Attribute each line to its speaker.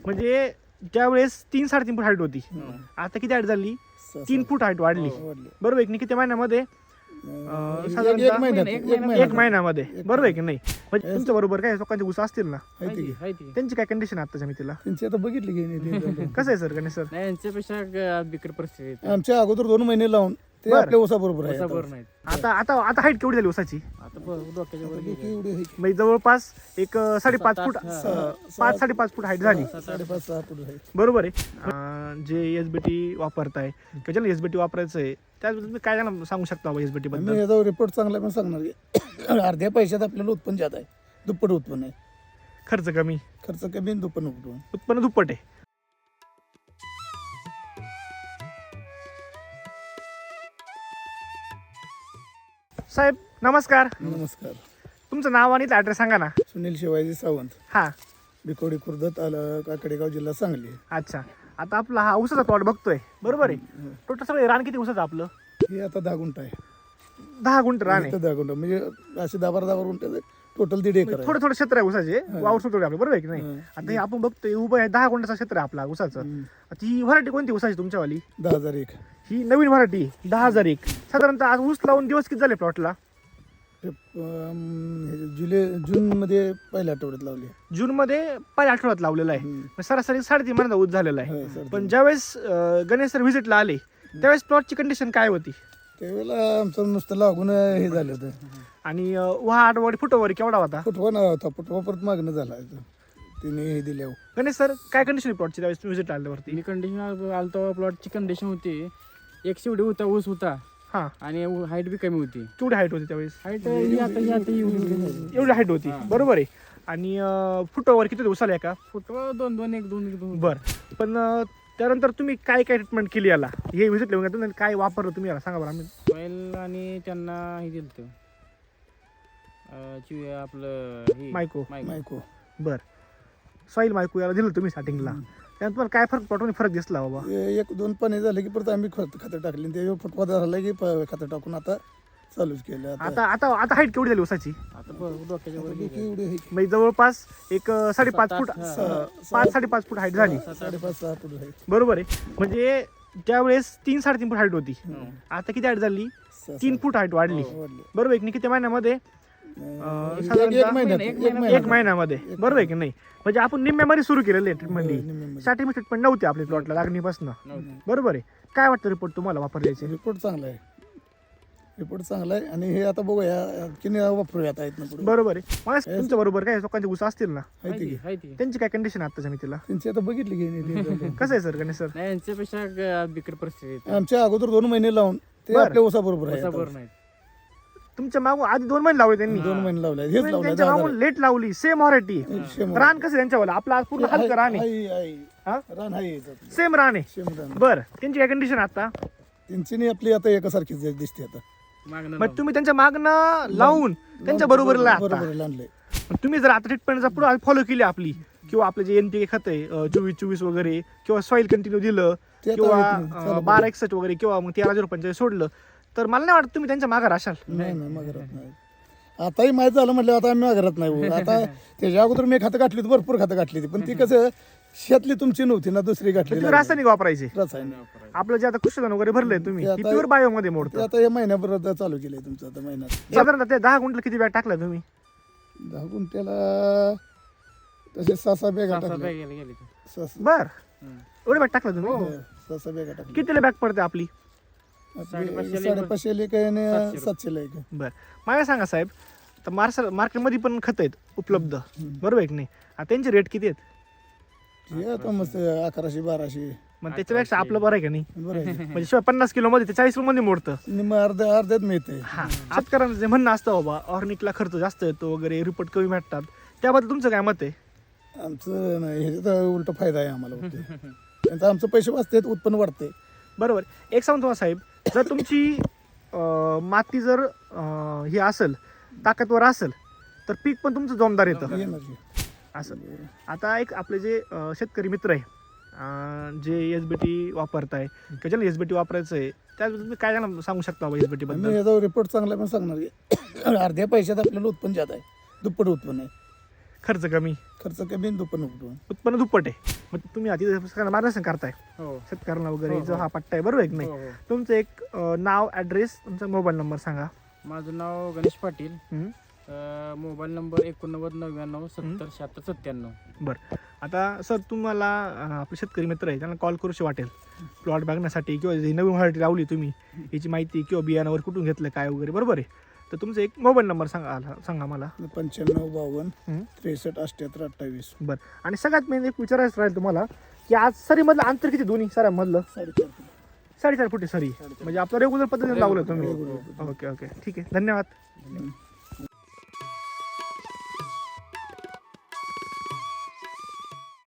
Speaker 1: म्हणजे त्यावेळेस 3-3.5 फूट हाईट होती, आता किती हाईट झाली? 3 फूट हाईट वाढली. बरोबर आहे की नाही? किती महिन्यामध्ये? साधारणतः एक महिन्यामध्ये. बरोबर आहे की नाही? म्हणजे तुमच्या बरोबर काय लोकांचे ऊस असतील ना, त्यांची काय कंडिशन आहे आताच्या मितीला?
Speaker 2: त्यांची आता बघितली की
Speaker 1: कसं आहे सर गणेश सर?
Speaker 3: नाही यांच्यापेक्षा बिकट परिस्थिती आहे.
Speaker 2: आमच्या अगोदर 2 महिने लावून ते
Speaker 1: बरं.
Speaker 2: आपल्या ऊसा बरोबर आहे
Speaker 3: बरोबर नाही
Speaker 1: आता आता आता हाईट केवढी झाली ऊसाची?
Speaker 3: आता डोक्याच्या वर गेली.
Speaker 2: एवढी आहे.
Speaker 1: म्हणजे जवळपास एक 5.5 फूट, 5-5.5 फूट हाईट झाली.
Speaker 2: 5.5-6 फूट आहे.
Speaker 1: बरोबर आहे. जे SBT वापरताय किंवा ज्याला SBT वापरायचं आहे त्याबद्दल तुम्ही काय त्यांना सांगू शकता SBT
Speaker 2: मी
Speaker 1: बद्दल?
Speaker 2: याचा रिपोर्ट चांगला पण सांगणार की अर्ध्या पैशात आपल्याला उत्पन्न जात आहे, दुप्पट उत्पन्न आहे.
Speaker 1: खर्च कमी,
Speaker 2: खर्च कमी आणि दुप्पट उत्पन्न.
Speaker 1: उत्पन्न दुप्पट आहे. साहेब नमस्कार,
Speaker 2: नमस्कार.
Speaker 1: तुमचं नाव आणि ॲड्रेस सांगा ना.
Speaker 2: सुनील शिवाजी सावंत,
Speaker 1: हा,
Speaker 2: बिकोडी खुर्द, काकडेगाव, जिल्हा सांगली.
Speaker 1: अच्छा. आता आपला हा ऊसाचा प्लॉट बघतोय, बरोबर आहे? टोटल सगळं रान किती ऊसाचं आपलं?
Speaker 2: हे आता 10 गुंठ आहे.
Speaker 1: 10 गुंठ रान आहे.
Speaker 2: इथं 10 गुंठ म्हणजे असे 10-12 गुंठ टोटल 1.5 एकर आहे.
Speaker 1: थोडं थोडं क्षेत्र आहे ऊसाचे, वावर सुटवले आपलं, बरोबर आहे की नाही? आता हे आपण बघतोय उभं आहे 10 गुंठाचं क्षेत्र आहे आपला ऊसाचं. आता ही व्हरायटी कोणती ऊसाची तुमच्यावाली?
Speaker 2: 10,001.
Speaker 1: ही नवीन व्हरायटी 10,001. साधारणतः आज ऊस लावून दिवस किती झाले प्लॉटला?
Speaker 2: जून मध्ये पहिल्या आठवड्यात लावली.
Speaker 1: जून मध्ये पहिल्या आठवड्यात लावलेला आहे. मग सरासरी 3.5 महिन्याचा ऊस झालेला आहे.
Speaker 2: हो, सर.
Speaker 1: पण ज्यावेळेस गणेश सर व्हिजिटला आले त्यावेळेस प्लॉटची कंडिशन काय होती?
Speaker 2: त्यावेळेला आमचं नुसतं लागून हे झालं होतं.
Speaker 1: आणि वाढ फुटवर केवढा होता?
Speaker 2: फुटवा ना होता, फुटवा परत मागणं झाला तिने हे दिल्यावर.
Speaker 1: गणेश सर काय कंडिशन प्लॉटची त्यावेळेस व्हिजिट आल्यावरती?
Speaker 3: मी कंडिशन आलतो प्लॉटची कंडिशन होती, 100 एवढी होता ऊस होता
Speaker 1: हा,
Speaker 3: आणि हाईट बी कमी होती.
Speaker 1: केवढी हाईट होती त्यावेळेस?
Speaker 3: हाईट एवढी
Speaker 1: एवढी हाईट होती, बरोबर आहे. आणि फुटवर किती दिवसाला का?
Speaker 3: फुटवा 2-2-1-2
Speaker 1: बर. पण त्यानंतर तुम्ही काय काय ट्रीटमेंट केली याला? हे व्हिजिट लिहून घेतलं आणि काय वापरलं तुम्ही याला सांगा बरं. आम्ही
Speaker 3: ऑइल आणि त्यांना हे दिलं आपलं
Speaker 1: मायको.
Speaker 2: मायको.
Speaker 1: बर. सॉईल मायको याला दिलं तुम्ही स्टार्टिंगला, त्यानंतर तुम्हाला काय प्लॉटमध्ये फरक दिसला बाबा?
Speaker 2: 1-2 पाणी झालं की परत आम्ही खतं टाकली. त्याच्यावर फुटवा झाला की खतं टाकून आता चालूच केलं.
Speaker 1: आता आता आता हाईट केवढी झाली ऊसाची?
Speaker 3: आता डोक्याच्या वर गेली.
Speaker 2: एवढी आहे.
Speaker 1: म्हणजे जवळपास एक 5.5 फूट, 5-5.5 फूट हाईट झाली.
Speaker 2: 5.5-6 फूट आहे.
Speaker 1: बरोबर आहे. म्हणजे त्यावेळेस 3-3.5 फूट हाईट होती, आता किती हाईट झाली? 3 फूट हाईट वाढली.
Speaker 2: वाढली.
Speaker 1: बरोबर आहे की नाही? किती महिन्यामध्ये?
Speaker 2: एक महिन्यात.
Speaker 1: एक महिन्यामध्ये. बरोबर आहे की नाही? म्हणजे आपण निम्म्यामध्ये सुरू केलेलं आहे ट्रीटमेंट. स्टार्टिंग ट्रीटमेंट नव्हती आपल्या प्लॉटला लागणीपासून, बरोबर आहे. काय वाटतं रिपोर्ट तुम्हाला वापरल्याचे?
Speaker 2: रिपोर्ट चांगला आहे. रिपोर्ट चांगला आहे आणि हे आता बघूया की वापरूया आता इथनं पुढे.
Speaker 1: बरोबर आहे. मला तुमच्या बरोबर काय लोकांचे ऊस असतील ना,
Speaker 3: हायती.
Speaker 1: त्यांची काय कंडिशन आताच्या मितीला?
Speaker 2: त्यांची आता बघितली की
Speaker 1: कसं आहे सर गणेश सर?
Speaker 3: नाही यांच्यापेक्षा बिकट परिस्थिती आहे.
Speaker 2: आमच्या अगोदर 2 महिने लावून ते
Speaker 1: बरं.
Speaker 2: आपल्या ऊसा बरोबर आहे.
Speaker 3: बरोबर नाही
Speaker 1: तुमच्या मागून आधी 2 महिने लावले त्यांनी,
Speaker 2: 2 महिने लावले. हेच लावले.
Speaker 1: त्यांच्या मागून लेट लावली. Same variety. रान कसं त्यांच्यावाला? आपला आज पूर्ण हलकं रान आहे. हा?
Speaker 2: रान आहे.
Speaker 1: सेम रान आहे.
Speaker 2: सेम रान.
Speaker 1: बर. त्यांची काय कंडिशन आता?
Speaker 2: त्यांची नाही आपली आता एकासारखीच दिसते आता.
Speaker 3: मागणं
Speaker 1: मग तुम्ही त्यांच्या मागणं लावून त्यांच्या बरोबरला आता
Speaker 2: बरोबर आणले.
Speaker 1: तुम्ही जर आता ट्रीटमेंटचा पुढे फॉलो केली आपली, किंवा आपले जे NPK खत आहे 24-24 वगैरे, किंवा सॉईल कंटिन्यू दिलं,
Speaker 2: ते आता
Speaker 1: किंवा
Speaker 2: येत नाही. चालू
Speaker 1: 1261 वगैरे, किंवा मग 13-0-45 सोडलं, तर मला नाही वाटत तुम्ही त्यांच्या मागे राशाल.
Speaker 2: नाही मागरत नाही. आताही माहीत झालं म्हटलं आता आम्ही मागरत नाही. आता त्याच्या अगोदर मी खातं गाठली होती, भरपूर खातं गाठली होती, पण ती कसं शेतली तुमची नव्हती ना, दुसरी गाठली.
Speaker 1: तुम्ही रासायनिक वापरायचे.
Speaker 2: रासायनिक
Speaker 1: आपलं जे आता कृषीधन वगैरे भरलंय तुम्ही,
Speaker 2: ते आता-
Speaker 1: प्युअर बायो मध्ये
Speaker 2: ते
Speaker 1: मोडतं.
Speaker 2: आता हे महिन्याभर चालू केलंय तुमचं आता महिन्यात.
Speaker 1: साधारणतः ते 10 गुंठला किती बॅग टाकला तुम्ही?
Speaker 2: 10 गुंठ्याला तसे 6-6 बॅगा
Speaker 3: बॅग
Speaker 2: टाकल्या.
Speaker 3: गेली.
Speaker 2: 6-6
Speaker 1: बर. एवढे बॅग टाकला तुम्ही?
Speaker 2: 6-6 बॅगा टाकल्या.
Speaker 1: कितीला बॅग पडते आपली?
Speaker 2: आपली
Speaker 3: 550
Speaker 2: एक आहे आणि 700 एक आहे.
Speaker 1: बर. मला सांगा साहेब, तर मार्केटमध्ये पण खत आहेत उपलब्ध, बरोबर आहे की नाही? आता त्यांचे रेट किती आहेत?
Speaker 2: हे आता मस्त 1100-1200.
Speaker 1: मग त्याच्यापेक्षा आपलं बरं आहे का नाही?
Speaker 2: बरं आहे.
Speaker 1: म्हणजे शिवाय 50 किलो मध्ये ते 40 किलो मध्ये मोडतं.
Speaker 2: निम्म अर्ध्यात मिळते.
Speaker 1: हा, शेतकऱ्यांचं जे म्हणणं असतं बाबा ऑर्गॅनिकला खर्च जास्त येतो वगैरे, रिपोर्ट कमी भेटतात, त्याबद्दल तुमचं काय मत आहे?
Speaker 2: आमचं नाही, ह्याचा उलट फायदा आहे आम्हाला फक्त. त्यांचा आमचं पैसे वाचतात, उत्पन्न वाढते.
Speaker 1: बरोबर. एक सांगतो तुम्हाला साहेब, जर तुमची माती जर हे असेल, ताकदवर असेल, तर पीक पण तुमचं जोमदार येतं
Speaker 2: येणार.
Speaker 1: असं. आता एक आपले जे शेतकरी मित्र आहे, जे SBT वापरताय किंवा ज्याला SBT वापरायचं आहे, त्याबद्दल तुम्ही काय त्यांना सांगू शकता बाबा SBT
Speaker 2: मी
Speaker 1: बद्दल?
Speaker 2: याचा रिपोर्ट चांगला पण सांगणार की अर्ध्या पैशात आपल्याला उत्पन्न जात आहे, दुप्पट उत्पन्न आहे.
Speaker 1: खर्च कमी,
Speaker 2: खर्च कमी आणि दुप्पट नको.
Speaker 1: उत्पन्न दुप्पट आहे. मग तुम्ही आधी मार्गदर्शन करताय
Speaker 3: हो
Speaker 1: शेतकऱ्यांना वगैरे,
Speaker 3: हो,
Speaker 1: जो
Speaker 3: हो.
Speaker 1: हा पट्टा आहे, बरोबर आहे की नाही?
Speaker 3: हो, हो.
Speaker 1: तुमचं एक नाव, ॲड्रेस, तुमचा मोबाईल नंबर सांगा.
Speaker 3: माझं नाव गणेश पाटील.
Speaker 1: हम्म.
Speaker 3: Mobile number 8999707697.
Speaker 1: आता सर तुम्हाला आपले शेतकरी मित्र आहे त्यांना कॉल करूशी वाटेल प्लॉट बघण्यासाठी, किंवा जी नवीन व्हरायटी लावली तुम्ही याची माहिती किंवा बियाणावर कुठून घेतलं काय वगैरे, बरोबर आहे? तर तुमचा एक मोबाईल नंबर सांगा मला.
Speaker 2: 9552
Speaker 1: हम्म.
Speaker 2: 63 78 28.
Speaker 1: बरं. आणि सगळ्यात मेन एक विचारायचं राहील तुम्हाला की आज सरीमधलं अंतर किती, दोन्ही सऱ्यामधलं?
Speaker 2: 4.5
Speaker 1: 4.5 फुटी सरी, म्हणजे आपलं रेग्युलर पद्धतीने लावलं तुम्ही.
Speaker 2: Regular.
Speaker 1: ओके ओके, ठीक आहे, धन्यवाद.
Speaker 2: फूट.